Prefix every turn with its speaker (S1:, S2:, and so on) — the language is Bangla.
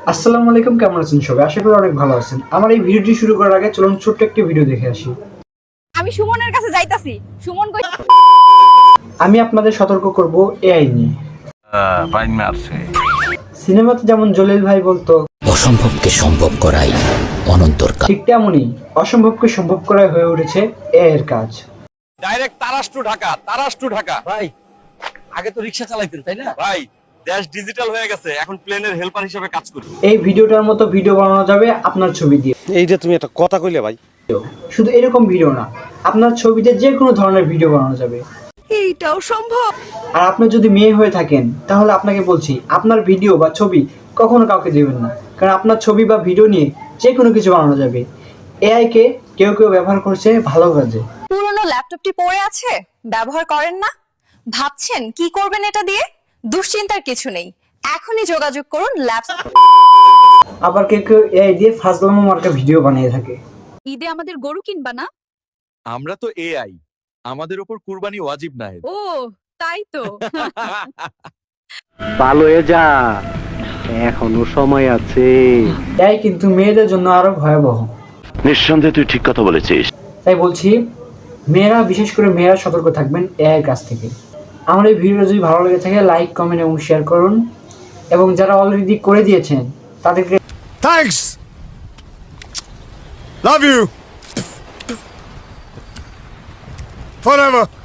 S1: আসসালামু আলাইকুম, কেমন আছেন সবাই? আশা করি অনেক ভালো আছেন। আমার এই ভিডিওটি শুরু করার আগে চলুন ছোট্ট একটি ভিডিও দেখে আসি।
S2: আমি সুমনের কাছে যাইতাছি। সুমন কই?
S1: আমি আপনাদের সতর্ক করব এআই নিয়ে।
S3: বাইন মারছে।
S1: সিনেমাতে যেমন জলিল ভাই বলতো,
S4: অসম্ভবকে সম্ভব করাই অনন্তর কাজ।
S1: ঠিক তেমনই অসম্ভবকে সম্ভব করাই হয়ে উঠেছে এআই এর কাজ।
S3: Direct Taras to Dhaka, Taras to Dhaka.
S5: ভাই আগে তো রিক্সা চালাইতেন তাই না?
S3: ভাই দেশ ডিজিটাল হয়ে গেছে, এখন প্লেনের হেল্পার হিসেবে কাজ করি।
S1: এই ভিডিওটার মতো ভিডিও বানানো যাবে আপনার ছবি দিয়ে।
S6: এইটা তুমি একটা কথা কইলে ভাই।
S1: শুধু এরকম ভিডিও না, আপনার ছবিতে যে কোনো ধরনের ভিডিও বানানো যাবে।
S2: এইটাও সম্ভব।
S1: আর আপনি যদি মেয়ে হয়ে থাকেন তাহলে আপনাকে বলছি, আপনার ভিডিও বা ছবি কখনো কাউকে দেবেন না, কারণ আপনার ছবি বা ভিডিও নিয়ে যে কোনো কিছু বানানো যাবে। এআই কে কেউ কেউ ব্যবহার করছে ভালো কাজে।
S2: পুরনো ল্যাপটপটি পড়ে আছে, ব্যবহার করেন না? ভাবছেন কি করবেন এটা দিয়ে? দুশ্চিন্তার কিছু নেই, এখনই যোগাযোগ করুন ল্যাপটপ।
S1: আবার কেউ কেউ এআই দিয়ে ফাজলামো মার্কা ভিডিও বানিয়ে থাকে।
S2: ঈদে আমাদের গরু কিনবা না?
S3: আমরা তো এআই, আমাদের উপর কুরবানি ওয়াজিব নাই।
S2: ও তাই তো।
S7: ভালো হয়ে যা, এখনো সময় আছে।
S1: এআই কিন্তু মেয়েদের জন্য আরো ভয়াবহ।
S8: নিঃসন্দেহে তুই ঠিক কথা বলেছিস।
S1: তাই বলছি, মেয়েরা, বিশেষ করে মেয়েরা সতর্ক থাকবেন এআই এর কাছ থেকে। আমার এই ভিডিও যদি ভালো লেগে থাকে লাইক, কমেন্ট এবং শেয়ার করুন, এবং যারা অলরেডি করে দিয়েছেন তাদেরকে
S6: থ্যাঙ্কস, লাভ ইউ ফরএভার।